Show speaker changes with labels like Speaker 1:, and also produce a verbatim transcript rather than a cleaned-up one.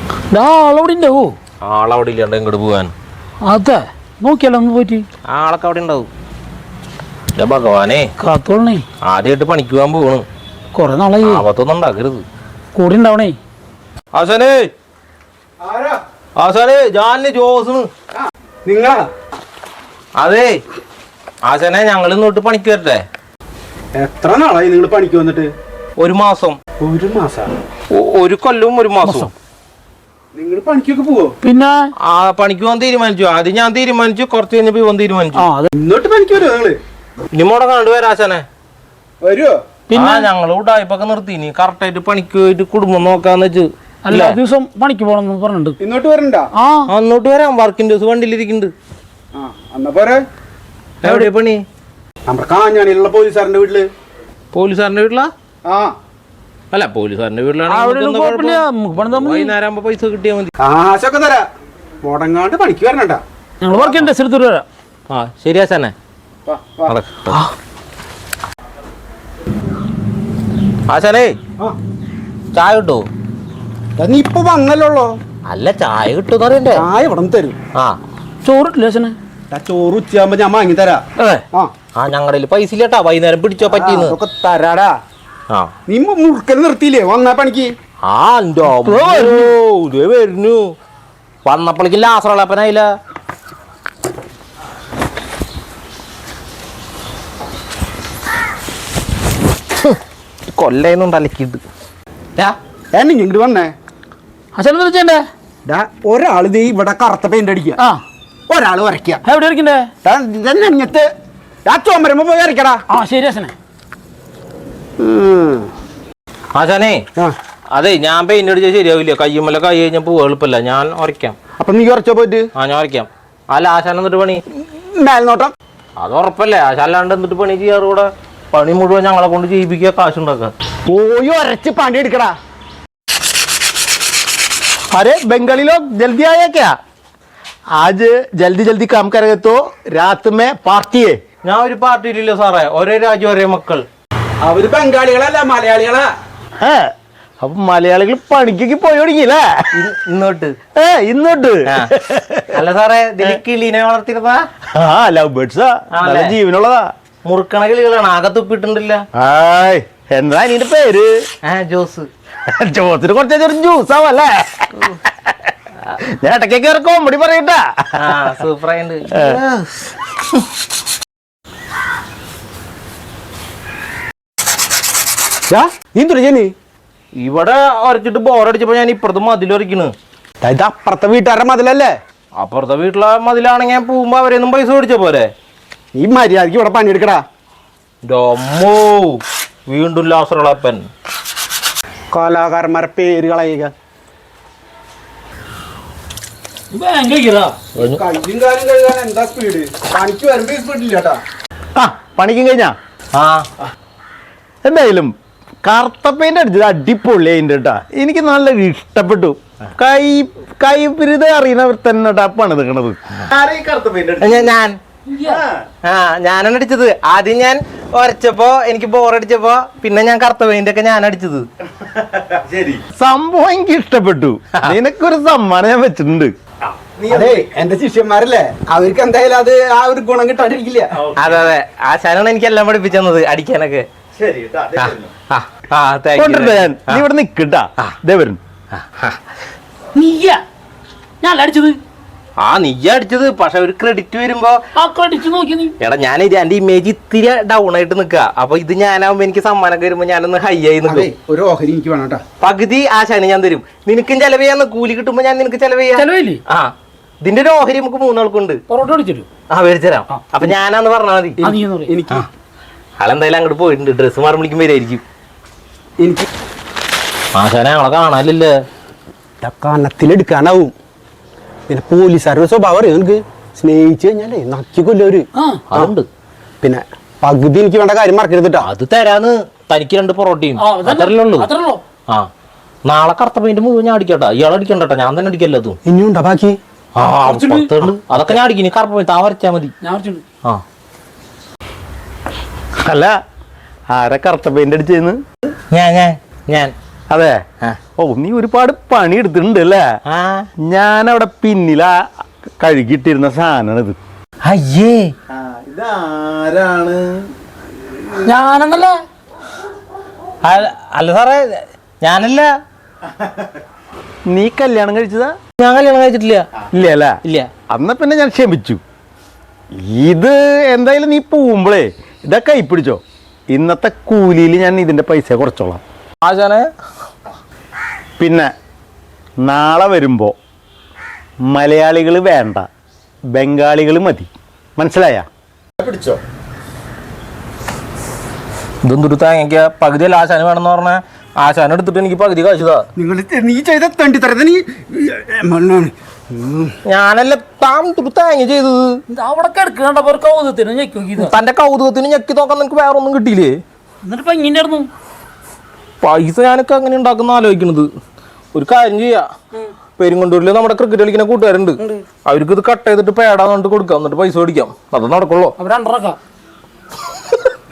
Speaker 1: ആളവിടെ ഉണ്ടാവോ?
Speaker 2: ആളവിടെ ഇല്ലാണ്ട് ഇങ്ങോട്ട് പോവാൻ.
Speaker 1: അതെ നോക്കിയാലോ ഒന്ന് പോയിട്ട്.
Speaker 2: ആളൊക്കെ അവിടെ ഉണ്ടാവും. ഭഗവാനെ
Speaker 1: കാത്തോളണേ.
Speaker 2: ആദ്യമായിട്ട് പണിക്ക് പോകാൻ പോകണം.
Speaker 1: കൊറേ നാളായി.
Speaker 2: ആപത്തൊന്നും ഉണ്ടാക്കരുത്.
Speaker 1: കൂടെ ഉണ്ടാവണേ.
Speaker 2: ആശാനേ ആശാനേ ജാലിന് ജോസ്
Speaker 3: നിങ്ങളാ?
Speaker 2: അതെ ആശാനെ ഞങ്ങൾ ഇന്നോട്ട് പണിക്ക് വരട്ടെ.
Speaker 3: എത്ര നാളായി നിങ്ങൾ പണിക്ക് വന്നിട്ട്?
Speaker 2: ഒരു മാസം.
Speaker 3: ഒരു മാസം?
Speaker 2: ഒരു കൊല്ലവും ഒരു മാസവും.
Speaker 3: നിങ്ങൾ പണിക്കൊക്കെ പോവോ?
Speaker 1: പിന്നെ
Speaker 2: ആ പണിക്ക് പോകാൻ തീരുമാനിച്ചു. ആദ്യം ഞാൻ തീരുമാനിച്ചു, കുറച്ച് കഴിഞ്ഞപ്പോ ഇവൻ തീരുമാനിച്ചു.
Speaker 3: ഇന്നോട്ട് പണിക്ക് വരുമോ നിങ്ങള്?
Speaker 2: ഇനിമോടെ കണ്ടുവരാ ആശാനെ.
Speaker 3: വരുവോ?
Speaker 2: പിന്നെ ഞങ്ങൾ ഉടായ്പൊക്കെ നിർത്തി. ഇനി കറക്റ്റായിട്ട് പണിക്ക് പോയിട്ട് കുടുംബം നോക്കാന്ന് വെച്ച്.
Speaker 1: അല്ല ദിവസം പണിക്ക് പോകണം പറഞ്ഞിട്ടുണ്ട്.
Speaker 3: ഇന്നോട്ട് വരണ്ട?
Speaker 1: ആ
Speaker 2: അന്നോട്ട് വരാം. വർക്കിംഗ് ദിവസം വണ്ടിയിലിരിക്കുന്നുണ്ട്.
Speaker 3: ആ എന്നാ പോരെ.
Speaker 2: എവിടെ പണി?
Speaker 3: നമ്മുടെ കാഞ്ഞാണിയിലുള്ള പോലീസുകാരന്റെ വീട്ടില്.
Speaker 2: പോലീസുകാരന്റെ വീട്ടിലാ?
Speaker 3: ആ
Speaker 2: അല്ല പോലീസുകാരന്റെ വീട്ടിലാണ്. വൈകുന്നേരം ആകുമ്പോ പൈസ കിട്ടിയാൽ മതി.
Speaker 3: കാശൊക്കെ തരാ. മുടങ്ങാണ്ട് പണിക്ക് വരണണ്ട.
Speaker 1: ഞങ്ങൾ വർക്ക് ചെയ്യണ്ട സ്ഥലത്ത് വരാം.
Speaker 2: ആ ശരി ആശാനെ. ആശാനേ ചായ കിട്ടോ?
Speaker 3: നീ ഇപ്പൊ വന്നല്ലോ.
Speaker 2: അല്ല ചായ കിട്ടും അറിയണ്ടേ?
Speaker 3: ചായ ഇവിടെ തരും.
Speaker 2: ആ
Speaker 1: ചോറിട്ടില്ല ആശാനെ?
Speaker 3: ചോറ് ഉച്ചയാകുമ്പോ ഞാൻ വാങ്ങി തരാ.
Speaker 2: ആ ഞങ്ങളുടെ പൈസ ഇല്ലട്ടാ. വൈകുന്നേരം പിടിച്ചോ പറ്റിന്ന്
Speaker 3: തരാടാ.
Speaker 2: ആ
Speaker 3: നീ മുറുക്കൽ നിർത്തിയില്ലേ വന്നാ പണിക്ക്?
Speaker 2: ആ വരുന്നു. വന്നപ്പോഴേക്കും ലാസറളപ്പനായില്ല. കൊല്ലുണ്ട് അലക്കിട്ട്.
Speaker 3: എന്നെ ഇങ്ങോട്ട് വന്നേ.
Speaker 1: ആശാനെ എന്താ ചെയ്യണ്ടേ?
Speaker 3: ഒരാള് ദേ ഇവിടെ കറുത്ത പെയിന്റ് അടിക്കുക,
Speaker 1: ആ
Speaker 3: ഒരാള് വരയ്ക്കുക.
Speaker 1: എവിടെ ഇരിക്കണ്ടേ?
Speaker 3: നെഞ്ഞത്ത് ആ ചോമരമ്പോ പോയി വരയ്ക്കടാ.
Speaker 1: ആ ശരി ആശാനെ.
Speaker 2: ആശാനേ അതെ ഞാൻ പെയിന്റ് അടിച്ചാൽ ശരിയാവില്ല. കയ്യുമ്മല കൈ കഴിഞ്ഞപ്പോ എളുപ്പമില്ല. ഞാൻ ഉറയ്ക്കാം.
Speaker 3: അപ്പൊ നീ ഉറച്ചോ പോയിട്ട്?
Speaker 2: ആ ഞാൻ ഉറയ്ക്കാം. അല്ല ആശാൻ എന്നിട്ട് പണി
Speaker 3: മേൽനോട്ടം.
Speaker 2: അത് ഉറപ്പല്ലേ? ആശാലാണ്ട് എന്നിട്ട് പണി ചെയ്യാറ്. കൂടെ പണി മുഴുവൻ ഞങ്ങളെ കൊണ്ട് ചെയ്യിപ്പിക്കുക, കാശുണ്ടാക്കുക.
Speaker 3: പോയി ഉരച്ച് പണി എടുക്കടാ. अरे बंगाली लोग जल्दी आया क्या? आज जल्दी जल्दी काम करेंगे तो रात में पार्टी है.
Speaker 2: ഞാൻ ഒരു പാർട്ടിയിലില്ല സാറേ. ഒരേ രാജ്യം ഒരേ മക്കൾ.
Speaker 3: അവര് ബംഗാളികളല്ല മലയാളികളാ. അപ്പൊ മലയാളികൾ പണിക്കൊക്കെ പോയി തുടങ്ങിയില്ലേ
Speaker 2: ഇന്നോട്ട്?
Speaker 3: ഏ ഇന്നോട്ട്.
Speaker 2: അല്ല സാറേ കിളീനെ വളർത്തിരുന്നതാ?
Speaker 3: ആ ലവ് ബേർഡ്സാ. നല്ല ജീവനുള്ളതാ.
Speaker 2: മുറുക്കണ കിളികളാണ്. ആകെ തുപ്പിട്ടുണ്ടല്ല.
Speaker 3: എന്താ നിന്റെ പേര്?
Speaker 2: ജോസ്.
Speaker 3: ജോസിന് കുറച്ച് ജ്യൂസ് ആവല്ലേ? ഞാൻ ഇടയ്ക്കൊക്കെ ഒരു കോമഡി പറയട്ടാ.
Speaker 2: സൂപ്പറായിട്ട്. ഇവിടെ ഉരച്ചിട്ട് ബോറടിച്ചപ്പോ ഞാൻ ഇപ്പുറത്ത് മതിലൊരക്കണ്.
Speaker 3: ഇത് അപ്പുറത്തെ വീട്ടുകാരുടെ മതിലല്ലേ?
Speaker 2: അപ്പുറത്തെ വീട്ടിലെ മതിലാണെങ്കിൽ ഞാൻ പോകുമ്പോ അവരെയൊന്നും പൈസ മേടിച്ച പോലെ.
Speaker 3: ഈ മര്യാദക്ക് ഇവിടെ പണിയെടുക്കടാ.
Speaker 2: ഡൊമ്മോ വീണ്ടും ലാസറളപ്പൻ.
Speaker 3: കലാകാരന്മാരെ പേര് കളയുക. പണിക്കും കഴിഞ്ഞാ?
Speaker 2: ആ
Speaker 3: എന്തായാലും കറുത്ത പെയിന്റ് അടിച്ചത് അടിപൊളി അതിൻ്റെ കേട്ടാ. എനിക്ക് നല്ല ഇഷ്ടപ്പെട്ടു. കൈ കൈപിരുത അറിയുന്നവർ തന്നെ പണിത് നിൽക്കണത്.
Speaker 2: ഞാൻ ആ ഞാനാണ് അടിച്ചത്. ആദ്യം ഞാൻ ഉരച്ചപ്പോ എനിക്ക് ബോറടിച്ചപ്പോ പിന്നെ ഞാൻ കറുത്ത പെയിന്റ് ഒക്കെ ഞാൻ അടിച്ചത്.
Speaker 3: സംഭവം എനിക്ക് ഇഷ്ടപ്പെട്ടു. നിനക്കൊരു സമ്മാനം ഞാൻ വെച്ചിട്ടുണ്ട്. അതെ എന്റെ ശിഷ്യന്മാരല്ലേ, അവർക്ക് എന്തായാലും അത് ആ ഒരു ഗുണം കിട്ടാണ്ടിരിക്കില്ല.
Speaker 2: അതെ അതെ ആശാനാണ് എനിക്ക് എല്ലാം പഠിപ്പിച്ചത് അടിക്കാനൊക്കെ.
Speaker 3: നീ ഇവിടെ നിക്കട്ടാ.
Speaker 1: നീയാ ഞാൻ അടിച്ചത്?
Speaker 2: ആ നീ അടിച്ചത്. പക്ഷെ ഒരു ക്രെഡിറ്റ് വരുമ്പോ എടാ ഞാൻ എന്റെ ഇമേജ് ഇത്തിരി ഡൗൺ ആയിട്ട് നിക്ക. അപ്പൊ ഇത് ഞാനാവുമ്പോ എനിക്ക് സമ്മാനം വരുമ്പോ ഞാനൊന്ന് ഹൈ ആയി നിൽക്കും.
Speaker 3: ഒരു ഓഹരി എനിക്ക് വേണം.
Speaker 2: പകുതി ആശാന് ഞാൻ തരും. നിനക്കും ചെലവ് ചെയ്യാന്ന്. കൂലി കിട്ടുമ്പോ ഞാൻ നിനക്ക് ചെലവ് ചെയ്യാം. ആ ഇതിന്റെ ഒരു ഓഹരി നമുക്ക് മൂന്നാൾക്കുണ്ട്. ആ മേടിച്ചരാം. അപ്പൊ ഞാനാന്ന് പറഞ്ഞാ മതി.
Speaker 3: എനിക്ക്
Speaker 2: ആളെന്തായാലും അങ്ങോട്ട് പോയിട്ടുണ്ട്. ഡ്രസ്സ് മാറി വിളിക്കും വരായിരിക്കും.
Speaker 3: എനിക്ക്
Speaker 2: ആശാനെ ഞങ്ങളെ കാണാനില്ലേ?
Speaker 3: കനത്തിലെടുക്കാനാവും. പിന്നെ പോലീസുകാരുടെ സ്വഭാവം അറിയാം എനിക്ക്. സ്നേഹിച്ചു കഴിഞ്ഞാലേ നക്കി കൊല്ലവര്.
Speaker 2: അതുണ്ട്.
Speaker 3: പിന്നെ പകുതി എനിക്ക് വേണ്ട കാര്യം മറക്കരുതിട്ടാ.
Speaker 2: അത് തരാന്ന്. തനിക്ക് രണ്ട് പൊറോട്ടയും അത്രല്ലേ ഉള്ളൂ. ആ നാളെ കറുത്ത പെയിന്റ് മുഴുവൻ ഞാൻ അടിക്കട്ടാ. ഇയാൾ അടിക്കണ്ടട്ടാ, ഞാൻ തന്നെ അടിക്കല്ലോ. അതും
Speaker 3: ഇനിയുണ്ടോ ബാക്കി?
Speaker 2: ആ അതൊക്കെ ഞാൻ അടിക്കും. കറുത്ത പെയിന്റ് താ വരച്ചാ മതി. ആ
Speaker 3: അല്ല ആരെ കറുത്ത പെയിന്റ് അടിച്ചെന്ന്?
Speaker 2: ഞാൻ ഞാൻ ഞാൻ
Speaker 3: അതെ ഓ നീ ഒരുപാട് പണി എടുത്തിട്ടുണ്ട് അല്ലേ ഞാനവിടെ പിന്നിലാ കഴുകിയിട്ടിരുന്ന സാധനമാണ് ഇത്.
Speaker 2: അയ്യേ
Speaker 3: ഇതാരാണ്?
Speaker 1: ഞാനെന്നല്ലേ?
Speaker 2: അല്ല സാറേ, ഞാനല്ല.
Speaker 3: നീ കല്യാണം കഴിച്ചതാ?
Speaker 2: ഞാൻ കല്യാണം കഴിച്ചിട്ടില്ല.
Speaker 3: ഇല്ല അല്ലേ?
Speaker 2: ഇല്ല.
Speaker 3: അന്ന പിന്നെ ഞാൻ ക്ഷമിച്ചു. ഇത് എന്തായാലും നീ പോകുമ്പോഴേ ഇതൊക്കെ കൈ പിടിച്ചോ. ഇന്നത്തെ കൂലിയിൽ ഞാൻ ഇതിന്റെ പൈസ കുറച്ചോളാം.
Speaker 2: ആശാനെ,
Speaker 3: പിന്നെ നാളെ വരുമ്പോ മലയാളികൾ വേണ്ട, ബംഗാളികൾ മതി. മനസ്സിലായ? പിടിച്ചോ.
Speaker 2: ഇതൊന്നൊരു തേങ്ങയ്ക്ക പകുതിയല്ല ആശാന് വേണമെന്ന് പറഞ്ഞാൽ ആശാനം എടുത്തിട്ട് എനിക്ക് പകുതി കാശുതാ.
Speaker 4: നിങ്ങൾ നീ ചെയ്ത തണ്ടി തരത് നീ
Speaker 2: ഞാനല്ല, താൻ ഒരു തേങ്ങ ചെയ്തത്.
Speaker 1: അവിടെ കിടക്കണ്ടപ്പോ ഒരു കൗതുകത്തിന് ഞെക്കി നോക്കിയതാ.
Speaker 2: തന്റെ കൗതുകത്തിന് ഞെക്കി നോക്കാൻ നിനക്ക് വേറെ ഒന്നും കിട്ടിയില്ലേ?
Speaker 1: എന്നിട്ട് ഇപ്പൊ ഇങ്ങനെ
Speaker 2: പൈസ ഞാനൊക്കെ അങ്ങനെ ഉണ്ടാക്കുന്ന ആലോചിക്കണത്. ഒരു കാര്യം ചെയ്യാ, പെരുങ്കൊണ്ടൂരില് നമ്മുടെ ക്രിക്കറ്റ് കളിക്കുന്ന കൂട്ടുകാരുണ്ട്. അവർക്ക് ഇത് കട്ട് ചെയ്തിട്ട് പേടാന്നിട്ട് കൊടുക്കാം, എന്നിട്ട് പൈസ മേടിക്കാം. അത് നടക്കുള്ളൂ.
Speaker 1: അവർ രണ്ടരക്കാം.